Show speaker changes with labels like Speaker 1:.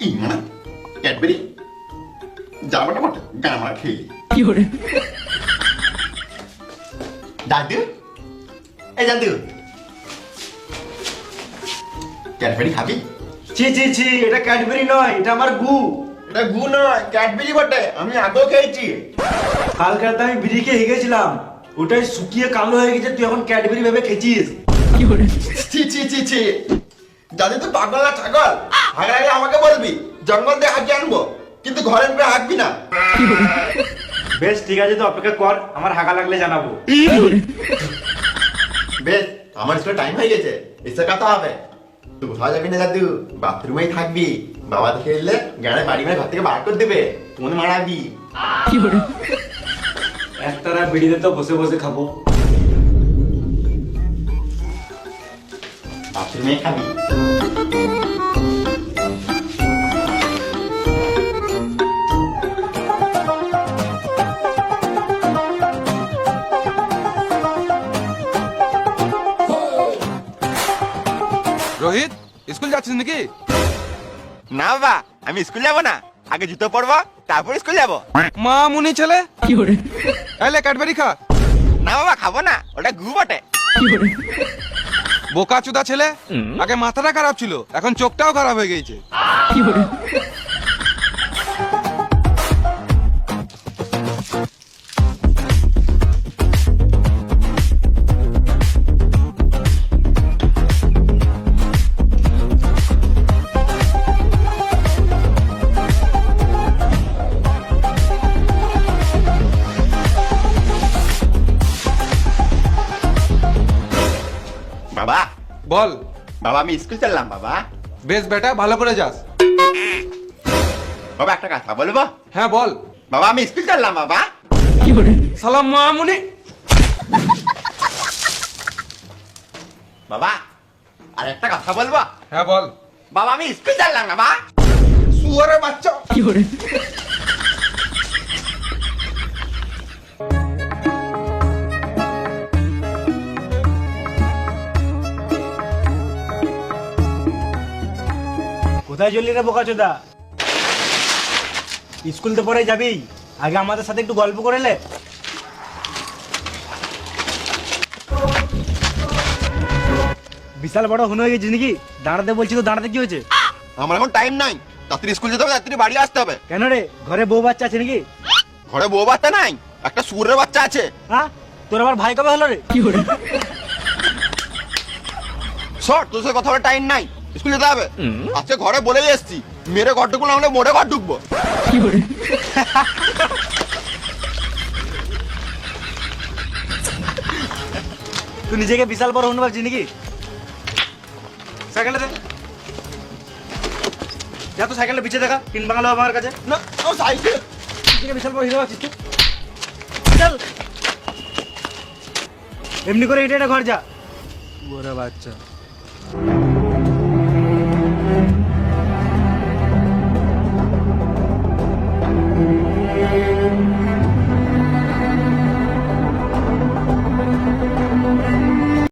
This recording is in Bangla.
Speaker 1: মানে ক্যাডবেরি যাবাটা বটে গামারা খেয়ে দাদু এই দাদু ক্যাডবেরি খাবি?
Speaker 2: ছি ছি ছি, এটা ক্যাডবেরি নয়, এটা আমার গু।
Speaker 1: এটা গু নয়, ক্যাডবেরি বটে। আমি আগেও খেয়েছি।
Speaker 2: কালকে রাতে আমি বিড়ি খেয়ে গেছিলাম, ওটাই শুকিয়ে কালো হয়ে গেছে, তুই এখন ক্যাডবেরি ভেবে খেয়েছিস।
Speaker 1: ছি ছি ছি ছি, দাদু তো পাগল না ছাগল? হাগা লাগলে আমাকে বলবি, জঙ্গল দিয়ে হাঁকিয়ে আনবো, কিন্তু ঘরের উপরে হাঁকবি না।
Speaker 2: বেশ ঠিক আছে, তো অপেক্ষা কর, আমার হাগা লাগলে জানাবো।
Speaker 1: বেশ, আমার স্কুলে টাইম হয়ে গেছে, এসে কথা হবে। তুই কোথাও যাবি না দাদু, বাথরুমেই থাকবি। বাবা দেখে এলে গাড়ি বাড়ি মেরে ঘর থেকে বার করে দেবে, মনে মারাবি।
Speaker 2: একটানা বিড়িতে তো বসে বসে খাবো।
Speaker 1: বাথরুমেই খাবি।
Speaker 3: রোহিত, স্কুল যাচ্ছিস নাকি?
Speaker 1: না বাবা, আমি স্কুল যাবো না, আগে জুতো পরবো তারপর স্কুল যাবো।
Speaker 3: মা মুনি ছেলে, এলে ক্যাডবেরি খা।
Speaker 1: না বাবা, খাবো না, ওটা গু বটে।
Speaker 3: বোকা চুদা ছেলে, আগে মাথাটা খারাপ ছিল, এখন চোখটাও খারাপ হয়ে গেছে।
Speaker 1: বাবা,
Speaker 3: বল।
Speaker 1: বাবা আমি স্কুল চললাম বাবা।
Speaker 3: বেশ বেটা, ভালো করে যাস।
Speaker 1: বাবা একটা কথা বলবো?
Speaker 3: হ্যাঁ বল।
Speaker 1: বাবা আমি স্কুল চললাম বাবা।
Speaker 3: সালাম মা মুনি।
Speaker 1: বাবা আর একটা কথা বলবো?
Speaker 3: হ্যাঁ বল।
Speaker 1: বাবা আমি স্কুল চললাম বাবা।
Speaker 3: শুয়ারের বাচ্চা।
Speaker 2: কোথায় চললি রে বোকাচোদা? স্কুল তো পরে যাবি, আগে আমাদের সাথে একটু গল্প করে লে। বিশাল বড় হুন হয়ে গেছিস নাকি? দাঁড়াতে বলছি তো, দাঁড়াতে কি হয়েছে?
Speaker 1: আমার এখন টাইম নাই, তাড়াতাড়ি স্কুল যেতে হবে, তাড়াতাড়ি বাড়ি আসতে হবে।
Speaker 2: কেন রে, ঘরে বউ বাচ্চা আছে নাকি?
Speaker 1: ঘরে বউ বাচ্চা নাই, একটা সুরের বাচ্চা আছে।
Speaker 2: হ্যাঁ, তোর আবার ভাই কবে হলো রে?
Speaker 1: শর্ট, তোর সাথে কথা বলার টাইম নাই, স্কুল যেতে হবে। আজকে ঘরে বলেই এসছি, মেরে ঘর ঢুকবো না হলে মোড়ে ঘর ঢুকবো।
Speaker 2: তুই নিজেকে বিশাল বড় হুন ভাবছিস নাকি? সাইকেলটা দে, যা তো সাইকেলটা পিছিয়ে দেখা, তিন বাংলা আমার কাছে।
Speaker 1: না ও সাইকেল।
Speaker 2: নিজেকে বিশাল বড় হিরো ভাবছিস তুই? চল, এমনি করে এটা ঘর যা।
Speaker 3: শুয়ারের বাচ্চা।